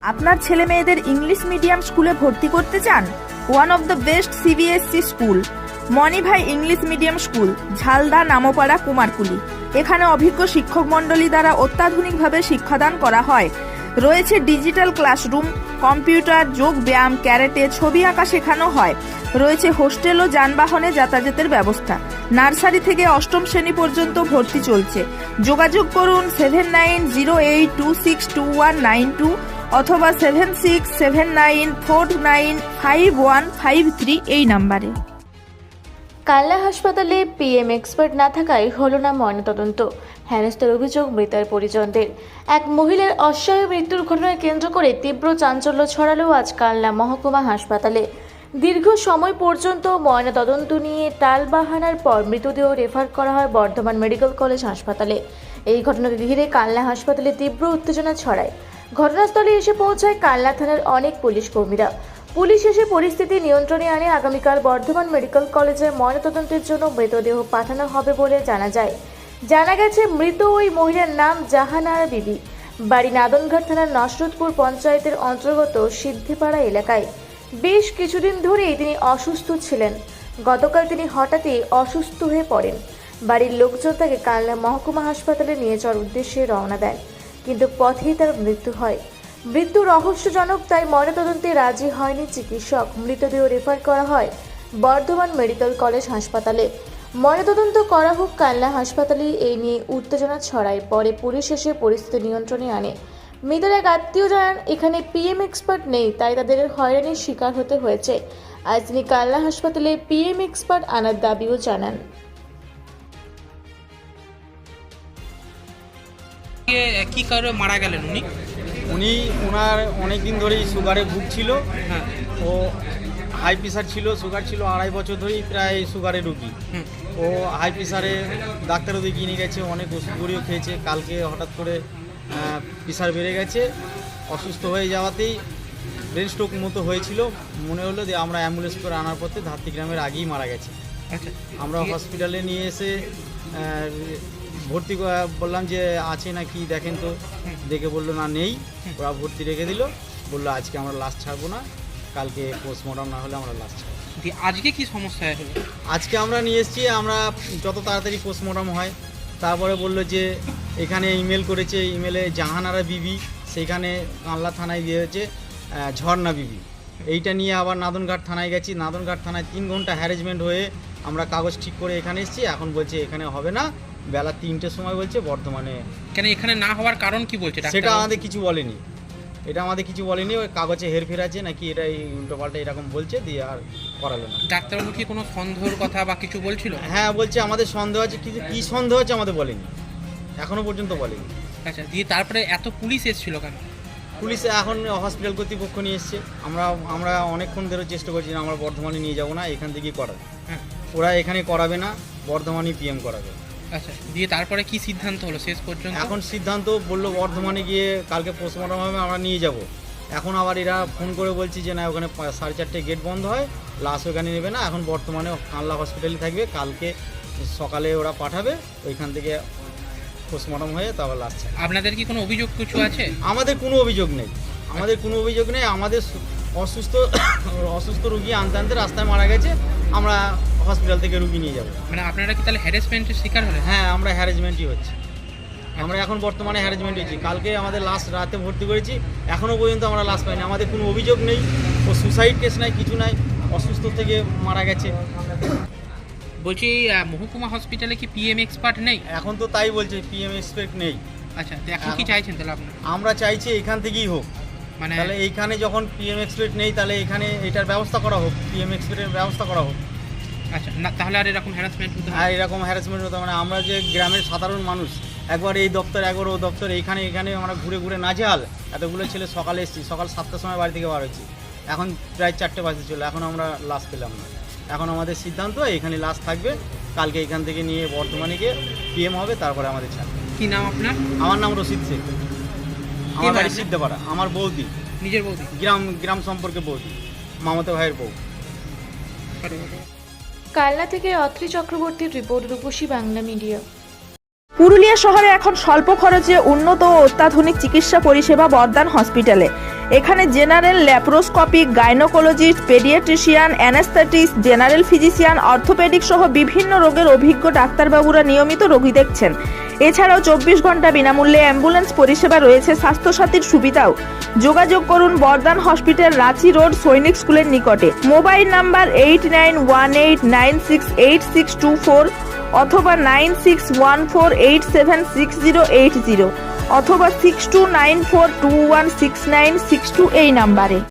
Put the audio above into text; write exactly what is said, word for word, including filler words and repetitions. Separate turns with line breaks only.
আপনার ছেলে মেয়েদের ইংলিশ মিডিয়াম স্কুলে ভর্তি করতে চান? One of the best CBSE school Manibhai English medium school, Jhalda, Nampara, Kumarkuli. এখানে অভিজ্ঞ শিক্ষক মণ্ডলী দ্বারা অত্যাধুনিকভাবে শিক্ষাদান করা হয়। রয়েছে ডিজিটাল ক্লাসরুম, কম্পিউটার, যোগ ব্যায়াম, ক্যারেটে, ছবি আঁকা শেখানো হয়। রয়েছে হোস্টেল ও যানবাহনে যাতায়াতের ব্যবস্থা। নার্সারি থেকে অষ্টম শ্রেণী পর্যন্ত ভর্তি চলছে। যোগাযোগ করুন seven nine zero eight two six two one nine two অথবা seven six seven nine four nine five one five three এই নাম্বারে।
কালনা হাসপাতালে পিএম এক্সপার্ট না থাকায় হলো না ময়নাতদন্ত। হেনস্থার অভিযোগ মৃতার পরিজনদের। এক মহিলার অস্বাভাবিক মৃত্যুর ঘটনাকে কেন্দ্র করে তীব্র চাঞ্চল্য ছড়ালো আজ কালনা মহকুমা হাসপাতালে। দীর্ঘ সময় পর্যন্ত ময়নাতদন্ত নিয়ে টালবাহানার পর মৃতদেহ রেফার করা হয় বর্ধমান মেডিকেল কলেজ হাসপাতালে। এই ঘটনাকে ঘিরে কালনা হাসপাতালে তীব্র উত্তেজনা ছড়ায়। ঘটনাস্থলে এসে পৌঁছায় কালনা থানার অনেক পুলিশ কর্মীরা। পুলিশ এসে পরিস্থিতি নিয়ন্ত্রণে আনে আগামীকাল বর্ধমান মেডিকেল কলেজে ময়নাতদন্তের জন্য মৃতদেহ পাঠানো হবে বলে জানা যায়। জানা গেছে মৃত ওই মহিলার নাম জাহানারা বিবি, বাড়ি নাদনঘাট থানার নসরতপুর পঞ্চায়েতের অন্তর্গত সিদ্ধিপাড়া এলাকায়। বেশ কিছুদিন ধরেই তিনি অসুস্থ ছিলেন। গতকাল তিনি হঠাৎই অসুস্থ হয়ে পড়েন। বাড়ির লোকজন তাকে কালনা মহকুমা হাসপাতালে নিয়ে যাওয়ার উদ্দেশ্যে রওনা দেন, কিন্তু পথেই তার মৃত্যু হয়। মৃত্যু রহস্যজনক, তাই ময়নাতদন্তে রাজি হয়নি চিকিৎসক। মৃতদেহ রেফার করা হয় বর্ধমান মেডিকেল কলেজ হাসপাতালে। ময়নাতদন্ত করা হোক কালনা হাসপাতালে, এই নিয়ে উত্তেজনা ছড়ায়। পরে পুলিশ এসে পরিস্থিতি নিয়ন্ত্রণে আনে। মৃতের এক আত্মীয় জানান, এখানে পিএম এক্সপার্ট নেই, তাই তাদের হয়রানির শিকার হতে হয়েছে। আজ তিনি কালনা হাসপাতালে পিএম এক্সপার্ট আনার দাবিও জানান।
কি কারণে মারা গেলেন উনি?
উনি ওনার অনেক দিন ধরেই সুগারে ভুগছিল।
হ্যাঁ।
ও হাই প্রেশার ছিল, সুগার ছিল আড়াই বছর ধরেই প্রায় সুগারের রুগী। ও হাই প্রেশারে ডাক্তারও দেখিয়ে নিয়ে গেছে, অনেক ওষুধগুলিও খেয়েছে। কালকে হঠাৎ করে প্রেশার বেড়ে গেছে, অসুস্থ হয়ে যাওয়াতেই ব্রেন স্ট্রোক মতো হয়েছিল। মনে হলো যে আমরা অ্যাম্বুলেন্স করে আনার পথে ধাত্রী গ্রামের আগেই মারা গেছে।
আচ্ছা,
আমরা হসপিটালে নিয়ে এসে ভর্তি বললাম যে আছে না কি দেখেন তো, দেখে বললো না নেই। ওরা ভর্তি রেখে দিল, বললো আজকে আমরা লাশ ছাড়বো না, কালকে পোস্টমর্টম না হলে আমরা লাশ ছাড়বো।
আজকে কি সমস্যা হলো? আজকে
আমরা নিয়ে এসেছি, আমরা যত তাড়াতাড়ি পোস্টমর্টম হয়। তারপরে বললো যে এখানে ইমেল করেছে, ইমেলে জাহানারা বিবি, সেইখানে কানলা থানায় দিয়েছে ঝর্ণা বিবি। এইটা নিয়ে আবার নাদনঘাট থানায় গেছি। নাদনঘাট থানায় তিন ঘন্টা হ্যারেসমেন্ট হয়ে আমরা কাগজ ঠিক করে এখানে এসেছি। এখন বলছে এখানে হবে না, বেলা তিনটের সময় বলছে বর্তমানে।
কেন এখানে না হওয়ার কারণ কি বলছে?
সেটা আমাদের কিছু বলেনি, এটা আমাদের কিছু বলেনি। ওই কাগজে হেরফের আছে নাকি, এটা উল্টো পাল্টা এরকম বলছে, দিয়ে আর করালো না।
ডাক্তারবাবু কি কোনো সন্দেহের কথা বা কিছু বলছিল?
হ্যাঁ বলছে আমাদের সন্দেহ আছে, কিন্তু কী সন্দেহ আছে আমাদের বলেনি, এখনো পর্যন্ত বলেনি।
আচ্ছা, দিয়ে তারপরে এত পুলিশ এসেছিল কেন?
পুলিশ এখন হসপিটাল কর্তৃপক্ষ নিয়ে এসছে। আমরা আমরা অনেকক্ষণ ধরে চেষ্টা করছি না, আমরা বর্ধমানে নিয়ে যাব না, এখান থেকেই করাবে।
হ্যাঁ,
ওরা এখানে করাবে না, বর্ধমানে পিএম করাবে।
আচ্ছা, দিয়ে তারপরে কি সিদ্ধান্ত হলো শেষ পর্যন্ত?
এখন সিদ্ধান্ত বললো বর্ধমানে গিয়ে কালকে পোস্টমর্টম হবে, আমরা নিয়ে যাব। এখন আবার এরা ফোন করে বলছি যে না, ওখানে সাড়ে চারটে গেট বন্ধ হয়, লাশ ওখানে নেবে না, এখন বর্তমানে কানলা হসপিটালে থাকবে। কালকে সকালে ওরা পাঠাবে, ওইখান থেকে পোস্টমর্টম হয়ে তারপর লাশ ছাড়বে।
আপনাদের কি কোনো অভিযোগ কিছু আছে?
আমাদের কোনো অভিযোগ নেই, আমাদের কোনো অভিযোগ নেই। আমাদের অসুস্থ অসুস্থ রুগী আনতে আনতে রাস্তায় মারা গেছে, আমরা হসপিটাল থেকে রুগী নিয়ে যাবো।
মানে আপনারা কি তাহলে হ্যারাসমেন্টের শিকার হলেন?
হ্যাঁ, আমরা হ্যারাসমেন্টই হচ্ছে। আমরা এখন বর্তমানে হ্যারাসমেন্ট হয়েছি। কালকে আমাদের লাশ রাতে ভর্তি করেছি, এখনও পর্যন্ত আমরা লাশ পাইনি। আমাদের কোনো অভিযোগ নেই, ও সুসাইড কেস নাই, কিছু নাই, অসুস্থ থেকে মারা গেছে।
বলছি মহকুমা হসপিটালে কি পিএম এক্সপার্ট নেই?
এখন তো তাই বলছে, পিএম এক্সপার্ট নেই।
আচ্ছা, তো এখন কি চাইছেন তাহলে আপনারা?
আমরা চাইছি এখান থেকেই হোক, মানে তাহলে এইখানে যখন পিএম এক্সপার্ট নেই, তাহলে এখানে এটার ব্যবস্থা করা হোক, পিএম এক্সপার্টের ব্যবস্থা করা হোক।
আচ্ছা, না তাহলে আর এরকম হ্যারাসমেন্ট হতো না?
আর এরকম হ্যারাসমেন্ট হতো মানে আমরা যে গ্রামের সাধারণ মানুষ, একবার এই দপ্তর একবার ও দপ্তর, এইখানে এখানে আমরা ঘুরে ঘুরে নাজেহাল। এতগুলো ছেলে সকালে এসেছি, সকাল সাতটার সময় বাড়ি থেকে বার হয়েছি, এখন প্রায় চারটে বাজতে চলো, এখন আমরা লাশ পেলাম না। এখন আমাদের সিদ্ধান্ত এখানে লাশ থাকবে, কালকে এখান থেকে নিয়ে বর্তমানে গিয়ে পিএম হবে, তারপরে আমাদের ছাড়বে।
কি নাম আপনার?
আমার নাম রশিদ শেখ, আমার বাড়ি সিদ্ধপাড়া। আমার বৌদি,
নিজের বৌদি?
গ্রাম গ্রাম সম্পর্কে বৌদি, মামাতো ভাইয়ের বউ।
কালনা থেকে অত্রি চক্রবর্তীর রিপোর্ট, রূপসী বাংলা মিডিয়া।
পুরুলিয়া শহরে এখন স্বল্প খরচে উন্নত ও অত্যাধুনিক চিকিৎসা পরিষেবা বর্ধমান হসপিটালে। এখানে general, laparoscopic, gynaecologist, paediatrician, anaesthetist, general physician, orthopaedic সহ বিভিন্ন রোগের অভিজ্ঞ ডাক্তারবাবুরা নিয়মিত রোগী দেখছেন। এছাড়াও চব্বিশ ঘন্টা বিনামূল্যে অ্যাম্বুলেন্স পরিষেবা রয়েছে, স্বাস্থ্যসাথীর সুবিধাও। যোগাযোগ করুন বর্ধমান হসপিটাল, রাঁচি রোড, সৈনিক স্কুলের নিকটে। Mobile number eight nine one eight nine six eight six two four অথবা nine six one four eight seven six zero eight zero অথবা six two nine four two one six nine six two এই নাম্বারে।